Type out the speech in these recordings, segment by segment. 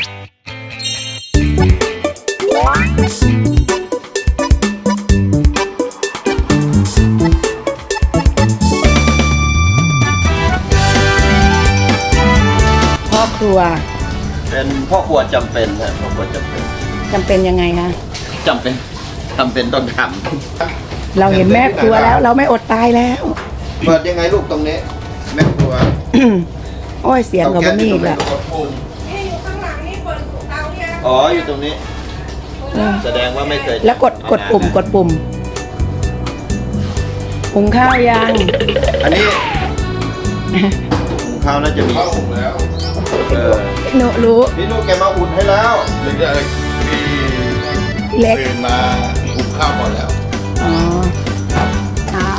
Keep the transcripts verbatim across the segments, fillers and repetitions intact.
พ่อครัวเป็นพ่อครัวจำเป็นนะพ่อครัวจำเป็นจำเป็นยังไงคะจำเป็นจำเป็นต้องทำเราเห็นแม่ครัวแล้วเราไม่อดตายแล้วเปิดยังไงลูกตรงนี้แม่ครัวโอ้ยเสียงกับนี่อีกแล้วนี่อยู่ข้างหลังนี่เปิดเตาเนี่ยอ๋ออยู่ตรงนี้แสดงว่าไม่เคยแล้วกดกดปุ่มกดปุ่มหุงข้าวยังอันนี้หุงข้าวน่าจะมีข้าวหุงแล้วเออหนูรู้พี่นุ๊กแกมาอุ่นให้แล้วหรือจะมีเล็กมาหุงข้าวหมดแล้วอ๋อเช้า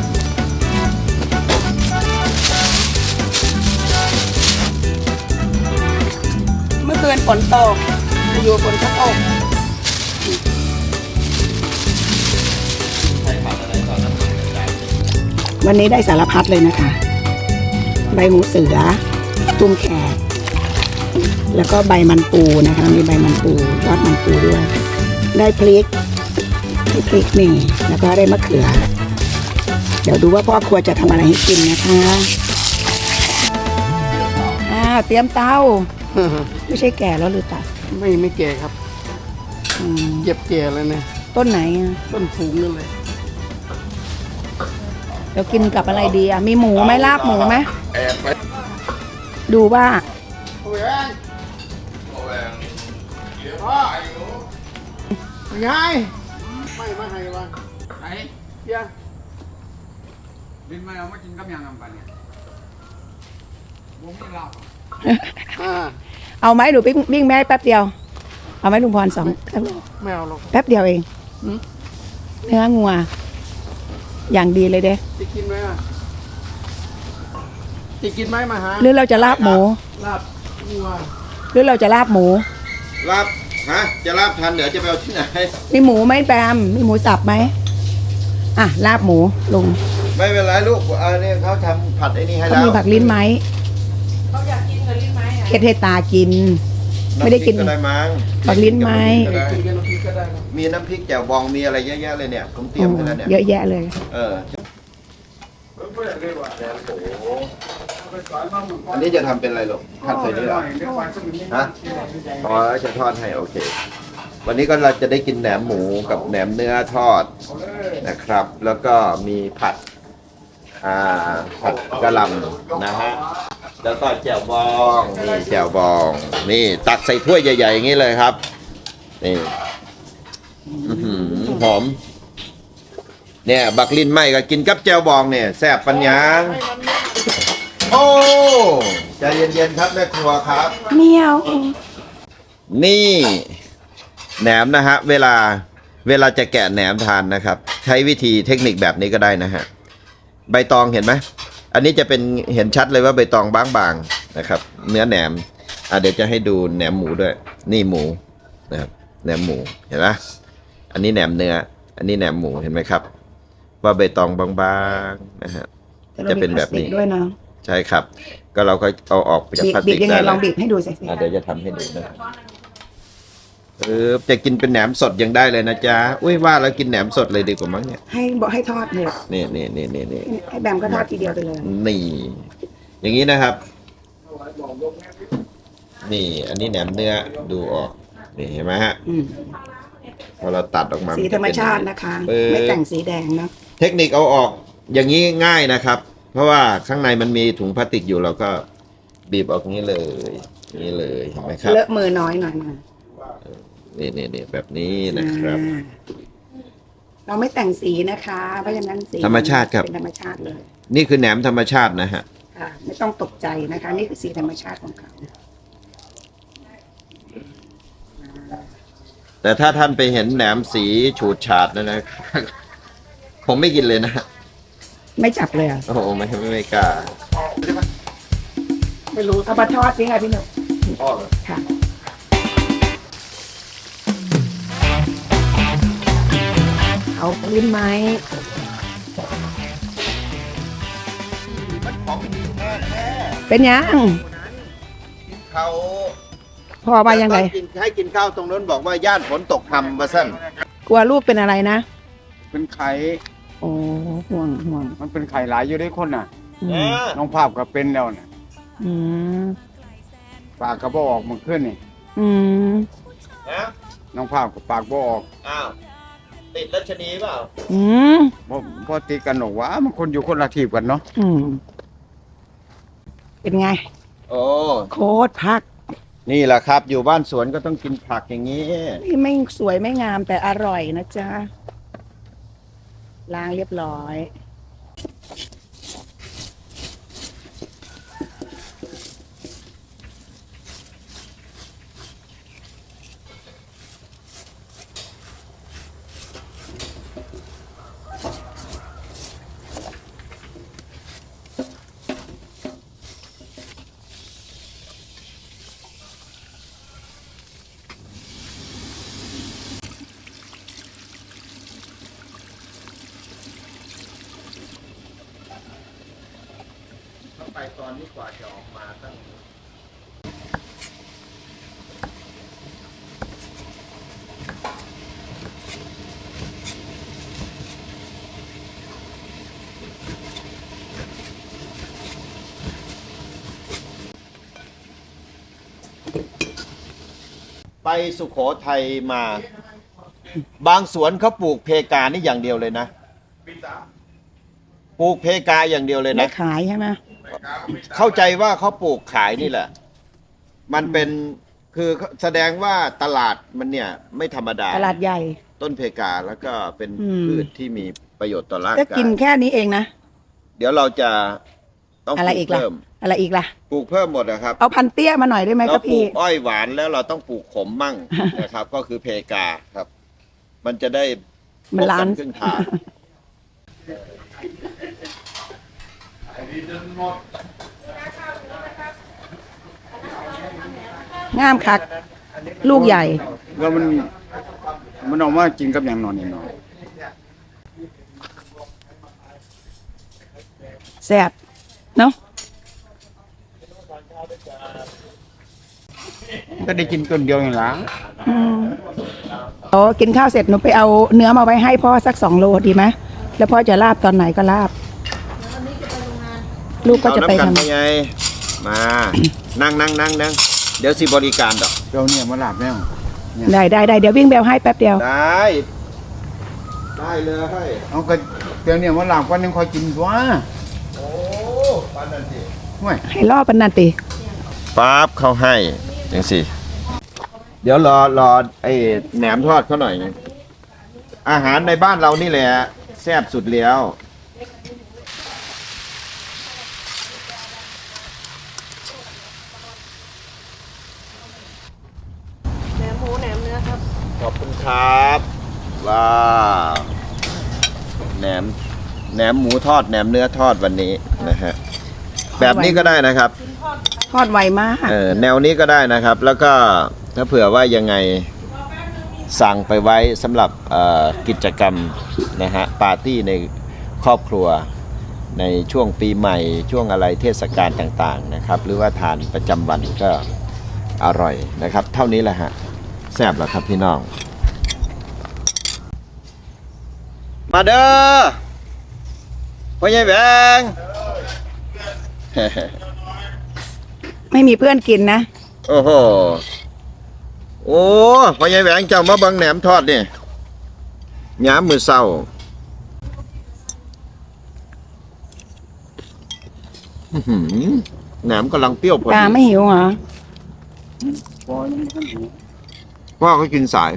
เมื่อคืนฝนตกอยู่ฝนก็ตกวันนี้ได้สารพัดเลยนะคะใบหูเสือตุ้มแขกแล้วก็ใบมันปูนะคะมีใบมันปูยอดมันปูด้วยได้พริกได้พริกนี่แล้วก็ได้มะเขือเดี๋ยวดูว่าพ่อครัวจะทำอะไรให้กินนะคะอ้าวเตรียมเตาไม่ใช่แก่แล้วหรือตัดไม่ไม่แก่ครับเก็บแก่เลยเนี่ยต้นไหนอ่ะต้นสูงนั่นเลยเดี๋ยวกินกับอะไรดีอ่ะมีหมูไหมลาบหมูไหมดูว่าโอ้ยโอ้ยเดี๋ยวพ่อไอ้หนูไงไม่มาให้วะไหนเดี๋ยวบินมาเอามากินกับยังไงบ้างเนี่ยบุ้งกินลาบเอาไหมหนูปิ้งปิ้งแม่แป๊บเดียวเอาไหมลุงพรสองไม่เอาหรอกแป๊บเดียวเองเนื้องัวอย่างดีเลยเด้จะกินไหมอ่ะจะกินไหมมาหาหรือเราจะลาบหมูลาบงัวหรือเราจะลาบหมูลาบฮะจะลาบทันเดี๋ยวจะไปเอาที่ไหนมีหมูไหมแปมมีหมูสับไหมอ่ะลาบหมูลุงไม่เป็นไรลูกอันนี้เขาทำผัดไอ้นี่ให้แล้วเขามีผักลิ้นไหมเขาอยากกินกับลิ้นไหมเฮ็ดให้ตากินไม่ได้กินผักลิ้นไหมมีน้ำพริกแจ่วบองมีอะไรเยอะแยะเลยเนี่ยผมเตรียมให้แล้วเนี่ยเยอะแยะเลยเอออันนี้จะทำเป็นอะไรหรอผัดใส่นี่หรอฮะอ๋อจะทอดให้โอเควันนี้ก็เราจะได้กินแหนมหมูกับแหนมเนื้อทอดนะครับแล้วก็มีผัดอ่าผัดกะหล่ำนะฮะแล้วก็แจ่วบองนี่แจ่วบองนี่ตักใส่ถ้วยใหญ่ๆอย่างนี้เลยครับนี่หอมเนี่ยบักลิ้นไหมก็กินกับแจ่วบองเนี่ยแซ่บปัญญาโอ้ใจเย็นๆครับแม่ครัวครับเมียวนี่แหนมนะฮะเวลาเวลาจะแกะแหนมทานนะครับใช้วิธีเทคนิคแบบนี้ก็ได้นะฮะใบตองเห็นไหมอันนี้จะเป็นเห็นชัดเลยว่าใบตองบางๆนะครับเนื้อแหนมอ่ะเดี๋ยวจะให้ดูแหนมหมูด้วยนี่หมูนะครับแหนมหมูเห็นไหมอันนี้แหนมเนื้ออันนี้แหนมหมูเห็นไหมครับว่าใบตองบางๆนะฮะจะเป็นแบบนี้ด้วยนะใช่ครับก็เราก็เอาออกจากพลาสติกได้ยังไงลองบีบให้ดูสิเดี๋ยวจะทำให้ดูนะเออจะกินเป็นแหนมสดยังได้เลยนะจ๊ะอุ้ยว่าแล้วกินแหนมสดเลยดีกว่ามั้งเนี่ยให้บอกให้ทอดเนี่ยนี่นี่นี่นี่นี่ให้แบมก็ทอดทีเดียวไปเลยนี่อย่างนี้นะครับนี่อันนี้แหนมเนื้อดูออกนี่เห็นไหมฮะพอเราตัดออกมาสีธรรมชาตินะคะไม่แต่งสีแดงนะเทคนิคเอาออกอย่างนี้ง่ายนะครับเพราะว่าข้างในมันมีถุงพลาสติกอยู่เราก็บีบออกนี้เลยนี่เลยเห็นไหมครับเลอะมือน้อยหน่อยนะนี่นี่นี่แบบนี้นะครับเราไม่แต่งสีนะคะเพราะฉะนั้นสีธรรมชาติครับเป็นธรรมชาติเลยนี่คือแหนมธรรมชาตินะฮะค่ะไม่ต้องตกใจนะคะนี่คือสีธรรมชาติของเขาแต่ถ้าท่านไปเห็นแหนมสีฉูดฉาดนะนะผมไม่กินเลยนะไม่จับเลยอ่ะโอ้โหไม่ไม่ไม่กล้าไม่รู้เอามาทอดสิค่ะพี่หนุ่มทอดค่ะเอาลิ้นไม้เป็นยังเขาพ่อว่ายังไงแต่ตอนกินให้กินข้าวตรงนั้นบอกว่าย่านฝนตกทำมาสั้นกลัวลูกเป็นอะไรนะเป็นไข่โอ้ห่วงห่วงมันเป็นไข่หลายอยู่ได้คนน่ะอืมนะน้องภาพก็เป็นแล้วน่ะอืมปากก็บ่ออกมันขึ้นนี่อืมนะน้องภาพก็ปากบ่ออกอ้าวติดรัชนีเปล่าอืมเพราะเพอตีกันหรอกว่ามันคนอยู่คนละทีบกันเนาะอืมเป็นไงโอ้โคตรพักนี่แหละครับ อยู่บ้านสวนก็ต้องกินผักอย่างนี้นี่ไม่สวยไม่งามแต่อร่อยนะจ๊ะล้างเรียบร้อยไปตอนนี้กว่าจะออกมาตั้ง ไปสุโขทัยมา บางสวนเขาปลูกเพกานี่อย่างเดียวเลยนะปลูกเพกาอย่างเดียวเลยไม่นะขายใช่ไหมเข้าใจว่าเขาปลูกขายนี่แหละ มันเป็นคือแสดงว่าตลาดมันเนี่ย ไม่ธรรมดาตลาดใหญ่ต้นเพกาแล้วก็เป็นอืมพืชที่มีประโยชน์ต่อร่างก็กากินยแค่นี้เองนะเดี๋ยวเราจะต้องปอะไรลูอีกกล่ะเพิ่มอะไรอีกล่ะปลูกเพิ่มหมดนะครับเอาพันเตี้ยมาหน่อยได้ไหมคเรารับปลูพี่กอ้อยหวานแล้วเราต้องปลูกขมมั่ง นะครับ ก็คือเพกาครับ มันจะได้มันล้านพบกัครึ่งทางงามคัก ลูกใหญ่แล้วมันมันออกมากินกับอย่างนอนนี่เนาะแซ่บเนาะก็ได้กินต้นเดียวอย่างหละอืมโอ้กินข้าวเสร็จหนูไปเอาเนื้อมาไว้ให้พ่อสักสองโลดีไหมแล้วพ่อจะลาบตอนไหนก็ลาบ ลูกก็จะไปเอาทำน้ำกันไงมา นั่งนั่งนั่งนั่งเดี๋ยวสิบริการดอกเดี๋ยวเนี่ยมาลาบแล้วได้ได้ได้เดี๋ยววิ่งแบลให้แป๊บเดียวได้ ได้เลยเอาก็เดี๋ยวเนี่ยมาลาบวันหนึงคอยกินตัวโอ้ปานนันสิห่วยให้ล่อปันนันติปั๊บเขาให้จังสิเดี๋ยวรอรอไอ้แหนมทอดเขาหน่อย อาหารในบ้านเรานี่แหละแซ่บสุดแล้วแหนมหมูแหนมเนื้อครับขอบคุณครับว้าวแหนมแหนมหมูทอดแหนมเนื้อทอดวันนี้นะฮะแบบนี้ก็ได้นะครับทอดไวมากเออแนวนี้ก็ได้นะครับ แล้วก็ถ้าเผื่อว่ายังไงสั่งไปไว้สำหรับเอ่อกิจกรรมนะฮะปาร์ตี้ในครอบครัวในช่วงปีใหม่ช่วงอะไรเทศกาลต่างๆนะครับ หรือว่าทานประจำวันก็อร่อยนะครับ เท่านี้แหละฮะแซ่บแล้วครับพี่น้อง มาเด้อพ่อใหญ่แบงไม่มีเพื่อนกินนะโอ้โห โอ้พ่อใหญ่แหวงเจ้ามาเบังแหนมทอดนี่ย้ามมือเศร้าอื้อหือแหนมกำลังเปรี้ยวพอตาดีไม่หิวเหรอพอยังไม่ทันหิวพ่อเขากินสาย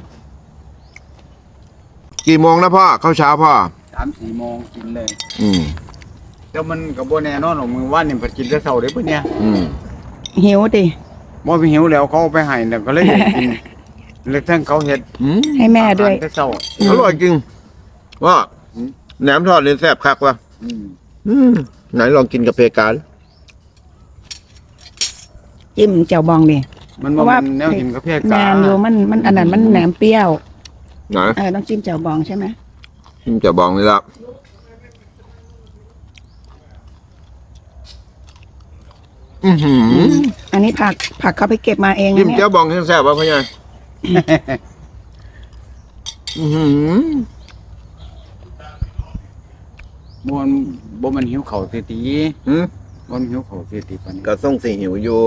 กี่โมงนะพ่อเข้าเช้าพ่อสามสี่โมงกินเลยอืมแต่มันกับโบแน่นอนหรอกมือว่านนี่เพิ่นกินแต่เช้าเด้อเพิ่นเนี่ยอืมหิวดิบ่ไปหิวแล้วเขาเอาไปให้น่ะก็เลยอยากกิน เลยทั้งเขาเฮ็ดอืมให้แม่ด้วยอาหารแต่เช้าอร่อยจริงว่าแหนมทอดนี่แซ่บคักว่ะอืมอืมไหนลองกินกับเพกาดิจิ้มแจ่วบองดิมันเพบ่ราะว่าแม่นแนวกินกับเพียแมกานอยู่มันมันอันนั้นมันแหนมเปรี้ยวไหนเออต้องจิ้มแจ่วบองใช่ไหมอืมจะบองนี่ละอือหืออันนี้ผักผักเขาไปเก็บมาเองจิ้นะมเนี่เจ้าย บองแซ่บๆป่ะพ่อใหญ่ อือหือมวนบ่มันหิวเข่าวเสียทีหืมบ่มันหิวเข่าวเสียทีปานนี้ก็ส่งสีหิวอยู่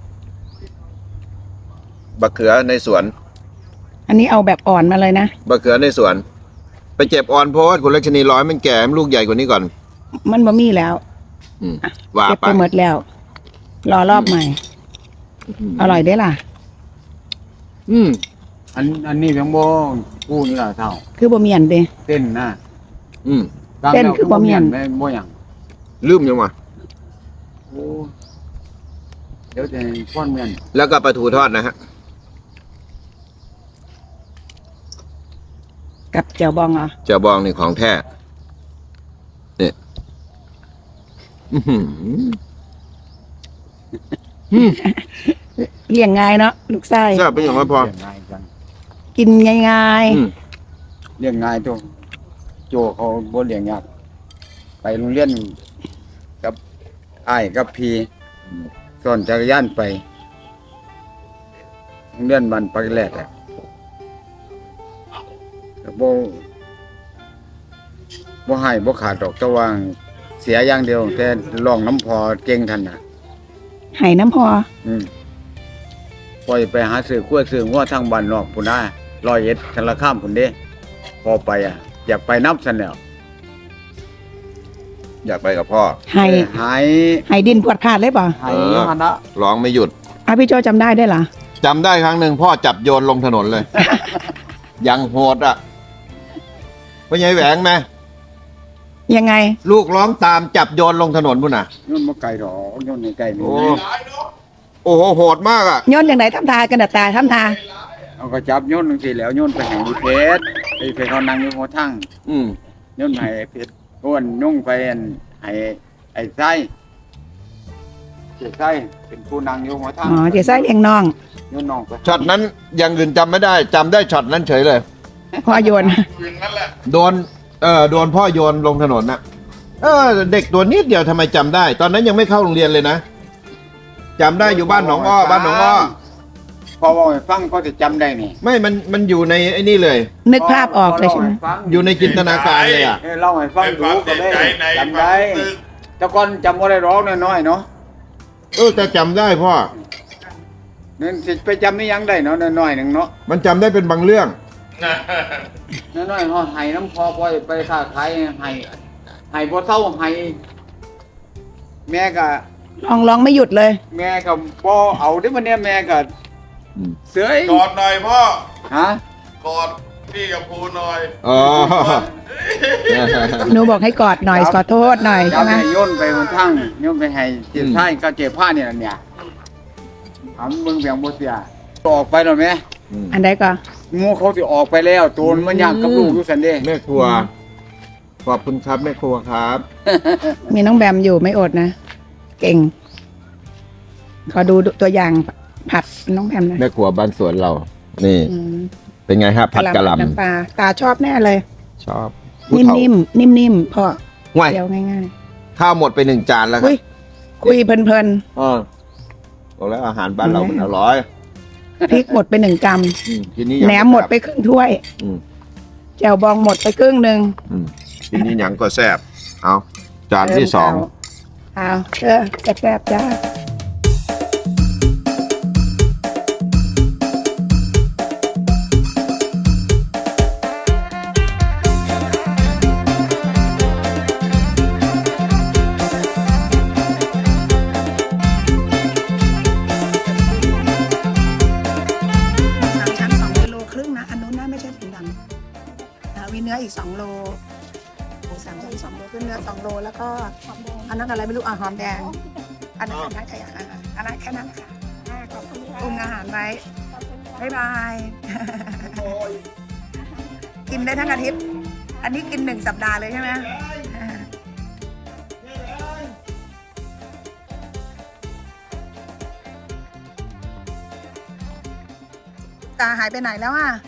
บักเขือในสวนอันนี้เอาแบบอ่อนมาเลยนะบักเขือในสวน ไปเจ็บอ่อนโพสคุณลักชนีร้อยมันแก่มันลูกใหญ่กว่านี้ก่อนมันบ่มีแล้วอืมว่าเก็บไปไปหมดแล้ว รอรอบใหม่ อร่อยได้ล่ะอืมอันอันนี้เพียงบ่กู้นี่ล่ะเท่าคือบ่เมียนเด้เต้นนะอืมตามเต้นแล้วคือบ่เมียนบ่บ่หยังลืมยังวะโอ้เดี๋ยวจะป้อนเมียนแล้วก็ปลาทูทอดนะฮะกับเจียวบองเหรอเจ้าบองนี่ของแท้เนี่ยอื้อหืออืมเลี้ยงง่ายเนาะลูกไส้แซ่บเป็นอย่างไรพอเลี้ยงง่ายจังกินง่ายอืมเลี้ยงง่ายตัวโจเขาบ่เลี้ยงยากไปโรงเรียนกับอ้ายกับพี่สอนจักรยานไปโรงเรียนบ้านปากแรกอะก็บ่บ่ให้บ่ขาดดอกแต่ว่าเสียอย่างเดียว แต่ร้องน้ำพอเก่งทันน่ะๆไห่น้ำพออืมปล่อยไปหาซื้อขั้วซื้องัวทางบ้านนอกพุ่นนะร้อยเอ็ดกันละข้ามพุ่นเด้พอไปอ่ะ อยากไปนับซั่นแล้วอยากไปกับพ่อไห่เออหายไห่ดินพวดพลาดเลยป่ะหายมันละร้องไม่หยุดอ่ะพี่โจจำได้ได้วยเหรอจำได้ครั้งหนึ่งพ่อจับโยนลงถนนเลย ยังโหดอ่ะพ่อใหญ่แหวงไหมยังไงลูกร้องตามจับโยนลงถนนพุ่นน่ะย้อนบ่ไกลดอกย้อนนี่ไกลนี่โอ้ โอ้โหโหดมากอ่ะย้อนอย่างไหนทำทากันดะตาทำทาเอาก็จับย้อนจังซี่แล้วย้อนไปให้อีเพชรไอ้เพชรเขานั่งอยู่หัวทั้งอืมย้อนให้ไอ้เพชรอ้วนยุ่งไปอันให้ไอ้ไส้เจ้ไส้เป็นผู้นั่งอยู่หัวทั้งอ๋อเดี๋ยวไส้เลี้ยงน้องย้อนน้องไปช็อตนั้นอย่างอื่นจำไม่ได้จำได้ช็อตนั้นเฉยเลยพอโยนโดน เออโดนพ่อโยนลงถนนน่ะ เออ เด็กตัวนิดเดียวทำไมจำได้ ตอนนั้นยังไม่เข้าโรงเรียนเลยนะจำได้อยู่บ้านหนองอ้อบ้านหนองอ้อพอบอกให้ฟังก็จะจำได้นี่ไม่มันมันอยู่ในไอ้นี่เลยนึกภาพออกเลยใช่ไหมอยู่ในจินตนาการเลยอ่ะเออเล่าให้ฟังดูก็ได้จำได้แต่ก่อนจำบ่ได้ร้องน้อยๆเนาะเออแต่จำได้พ่อนั่นสิไปจำไม่ยังได้เนาะน้อยๆหนึ่งเนาะมันจำได้เป็นบางเรื่องน้อยๆเฮาให้น้ำพอปล่อยไปค้าขายให้ให้บ่เท่าให้แม่ก็ลองร้องไม่หยุดเลยแม่ก็บ่เอาเด้มันเนี่ยแม่ก็อืมเสือยกอดหน่อยพ่อฮะกอดพี่กับภูหน่อยอ๋อหนูบอกให้กอดหน่อยขอโทษหน่อยจัใช่บไหมให้โยนไปบนทั้งโยนไปให้เจ็บท้ายก็เจ็บผ้าเนี่ยเนี่ยถามมึงเบียงบ่เสียออกไปแล้วแม่อันใดก็งูเขาสิออกไปแล้วโจรมันอยากกับลูกอยู่ซั่นเด้แม่ครัว ขอบคุณครับแม่ครัวครับมีน้องแบมอยู่ไม่อดนะ เก่ง ขอดูตัวอย่างผัดน้องแบมนะแม่ครัวบ้านสวนเรา นี่อืมเป็นไงครับผัดกะหล่น้ำปลาตาชอบแน่เลยำชอบผู้เฒ่านิ่มๆนิ่มๆพอห่วยเดียวง่ายข้าวหมดไปหนึ่งจานแล้วๆครัคุบยคุยเพลินอ๋อบอกแล้วอาหารบ้านเรามันอร่อยๆพริกหมดไปหนึ่งกรัมอืมทีนี้แหนมหมดไปครึ่งถ้วยอืมแจ่วบองหมดไปครึ่งหนึ่งอืมทีนี้หยังก็แซ่บเอาจานที่สองเอาเออแซ่บๆจ้า สามชั้นสองกิโลครึ่งนะ อันนู้นน่าไม่ใช่ถุงดำอ่ามีเนื้ออีกสองโลหมูสามชั้นสองโลขึ้นเนื้อสองโลแล้วก็อันนั้นอะไรไม่รู้อ่ะหอมแดง อันนั้นอันนั้นใช่อ่ะอ่ะอันนั้นแค่นั้นค่ะปรุงอาหารไว้บ๊ายบาย กินได้ทั้งอาทิตย์ อันนี้กินหนึ่งสัปดาห์เลยใช่ไหมตาหายไปไหนแล้วอ่ะ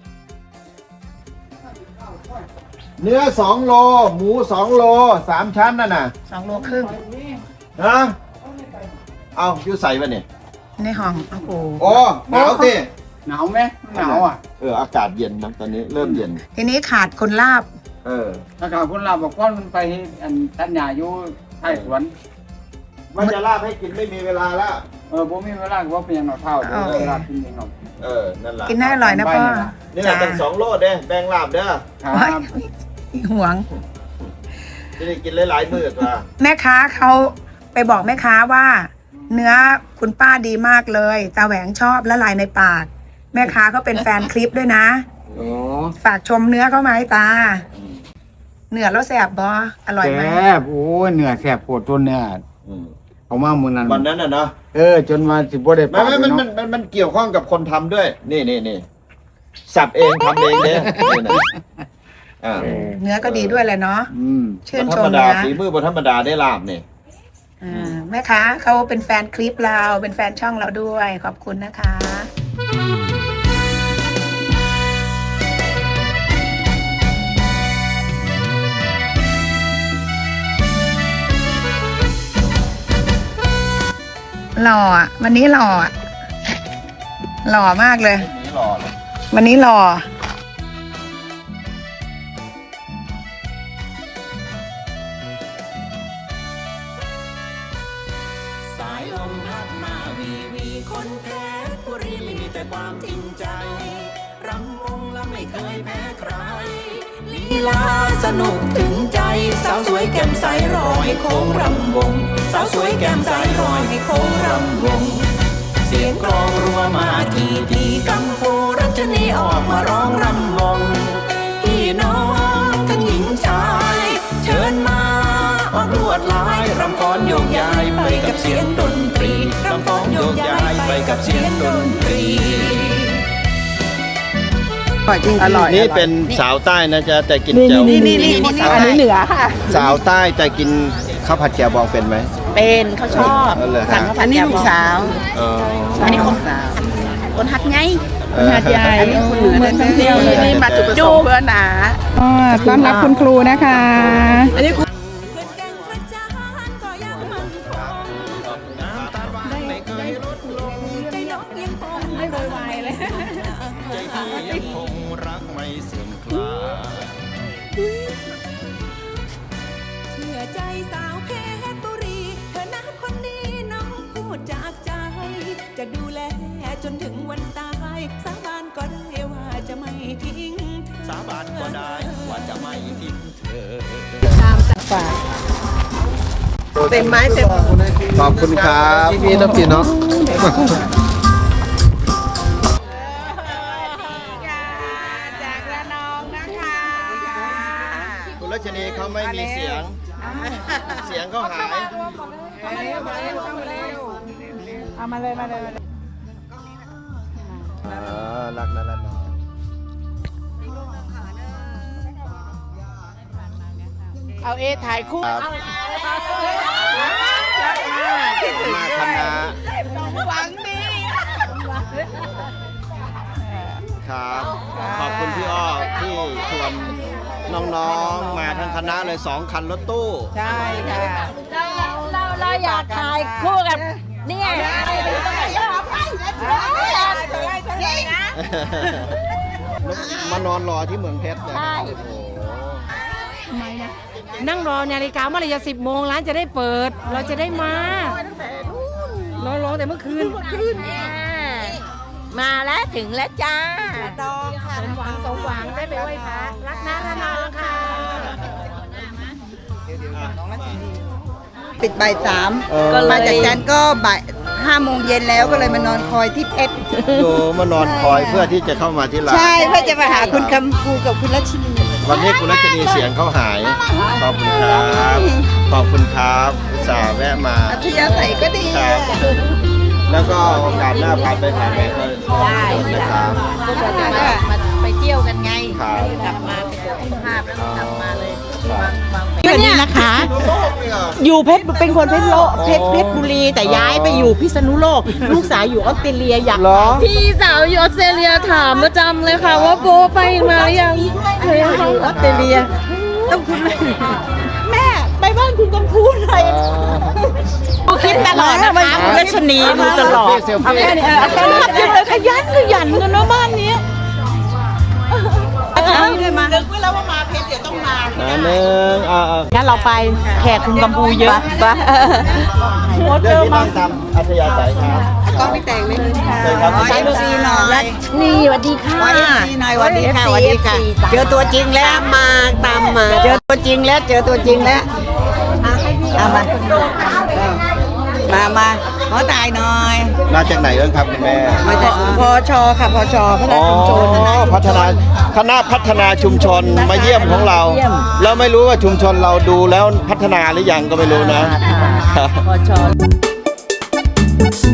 เนื้อสองโล หมูสองโลสามชั้นนั่นน่ะสองโลครึ่งฮะเอาอยู่ใส่ปะเนี่ยในห้องโอ้โหโอ้หนาวสิหนาวไหมหนาวอ่ะเอออากาศเย็นนะตอนนี้เริ่มเย็นทีนี้ขาดคนลาบเออถ้ากาคนลาบอกว่ามันไปอันตัดหญ้าอยู่ใต้สวนมันจะลาบให้กินไม่มีเวลาแล้วเออผมมีเวลาก็ว่าเป็นอย่างหน่อเท่าเดี๋ยวเวลากินเองหน่อยเออนั่นแหละกินได้อร่อยนะพ่อนี่แหละตั้งสองโลเด้แบ่งลาบเด้อครับห่วงจะได้กินหลายๆมื้อว่ะแม่ค้าเขาไปบอกแม่ค้าว่า เนื้อคุณป้าดีมากเลยตาแหวงชอบละลายในปาก แม่ค้าเขาเป็นแฟนคลิปด้วยนะโอ้ฝากชมเนื้อเขาไหมตา เนื้อแล้วแสบบออร่อยไหมแซ่บโอ้ยเนื้อแซ่บโคตรตัวเนื้ออืมเอามามื้อนั้นวันนั้นน่ะเนาะเออจนมาสิบ่ได้ไม่ไม่มันมันมันมันเกี่ยวข้องกับคนทำด้วย นี่นี่นี่สับเองทำเองเด้นี่นะอ่าเนื้อก็ดีด้วยแหละเนาะอืมชื่นบ่ชธรรมมดานะฝีมือบ่ธรรมดาได้ลาบนี่อ่าแม่ค้าเขาเป็นแฟนคลิปเราเป็นแฟนช่องเราด้วย ขอบคุณนะคะ หล่ออ่ะ วันนี้หล่ออ่ะ หล่อมากเลยนี่รอเลยวันนี้หล่อสายลมพัดมาวีวีคนเพชรบุรีมีแต่ความจริงใจ รำวงและไม่เคยแพ้ใคร ลีลาสนุกถึงใจ สาวสวยแก้มใสรอยให้โค้งรำวง สาวสวยแก้มใสรอยให้โค้งรำวง เสียงกลองรัวมาทีทีกัมพูรัชนีออกมาร้องรำวง พี่น้องทั้งหญิงชาย เชิญมาออกลวดลายรำฟ้อนโยกย้ายไปกับเสียงดนตรีรำฟ้อนโยกย้ายไปกับเสียงดนตรีอร่อยนี่เป็นสาวใต้นะจ๊ะแต่กินแจ่วนี่นี่นี่อันนี้เหนือค่ะสาวใต้แต่กินข้าวผัดแจ่วบองเป็นไหมเป็นเขาชอบเออเหรอฮะสั่งข้าวผัดแจ่วบองอ๋ออันนี้คนคนหัดไงเออหัดใหญ่อันนี้คนเหนือเมืองท่องเที่ยวเลยนี่มาจุดประสงค์เพื่อหนาต้อนรับคุณครูนะคะอันนี้เพื่อนแก่งกระจานก็ยังมั่นคงน้ำตาหวานไม่เคยลดลงใจน้องยังคงไม่โวยวายเลยใจพี่ยังคงรักไม่เสื่อมคลายเชื่อใจสาวเพชรบุรีเธอนะคนนี้น้องพูดจากใจ จะดูแลจนถึงวันตายสาบานก็ได้ว่าจะไม่ทิ้งสาบานก็ได้ว่าจะไม่ทิ้งเธอเต็มไม้เต็มขอบคุณครับพี่น้องพี่น้องจากระนองนะคะคุณรัชนีเขาไม่มีเสียง เสียงเขาหายเอามาเลยมาเลยมาเลยอ่ารักนะรักนะเอาเอถ่ายคู่ครับมาคณะหวังดีครับ ขอบคุณพี่อ้อที่ชวนน้องๆ มาทั้งคณะเลยสองคันรถตู้ใช่ค่ะเราเราอยากถ่ายคู่กับเนี่ยมานอนรอที่เมืองเพชรเลยใช่โอ้โหนั่งรอนาฬิกาเมื่อไหรจะสิบโมงร้านจะได้เปิด เราจะได้มารอรอแต่เมื่อคืนมาแล้วถึงแล้วจ้าสมหวังสมหวังได้ไปไหว้พระรักนะระนองค่ะปิดบ่ายสามเออมาจากจันทร์ก็บ่ายห้าโมงเย็นแล้วก็เลยมานอนคอยที่เพชรโยมานอนคอยเพื่อที่จะเข้ามาที่ร้านใช่เพื่อจะมาหาคุณคำภูกับคุณรัชนีวันนี้คุณรัชนีเสียงเขาหาย ขอบคุณครับ ขอบคุณครับอุตส่าห์แวะมาอัธยาศัยก็ดีครับ แล้วก็โอกาสหน้าผ่านไปผ่านไปก็ได้นะครับก็จะมามาไปเที่ยวกันไงครับกลับมาไปตรวจสุขภาพแล้วกลับมาเลยครับวางแผนสวัสดีนะคะ อยู่เพชรเป็นคนเพชรโลเพชรเพชรบุรีแต่ย้ายไปอยู่พิษณุโลก ลูกสาวอยู่ออสเตรเลียอยากพี่สาวอยู่ออสเตรเลียถามประจำเลยค่ะว่าโบไปมาหรือยังเคยเข้าออสเตรเลีย ต้องคุณแม่แม่ไปบ้านคุณกำพูหน่อยดูคลิปตลอดนะคะคุณรัชนีดูตลอดเซลฟี่ชอบจังเลยขยันขยันกันเนาะบ้านนี้นึกไว้แล้วว่ามาเพชรเดี๋ยวต้องมาอ่าหนึ่งอ่าอ่างั้นเราไปแขกคุณกัมพูเยอะปะโมเดิเจนอที่มานั่งตามอัธยาศัยครับก็ไม่แต่งเลยค่ะเชิญครับขอเอฟซีหน่อยนี่สวัสดีค่ะขอเอฟซีหน่อยสวัสดีค่ะสวัสดีค่ะ เจอตัวจริงแล้วมาตามมา เจอตัวจริงแล้วเจอตัวจริงแล้วเอามามามาขอตายหน่อยมาจากไหนบ้างครับคุณแม่มาจากพอชค่ะพอชพัฒอ๋นาอชุมชนพัฒนาคณะพัฒนาชุมชนมาเยี่ยมของเรา เราไม่รู้ว่าชุมชนเราดูแล้วพัฒนาหรือยังก็ไม่รู้นะพอชอ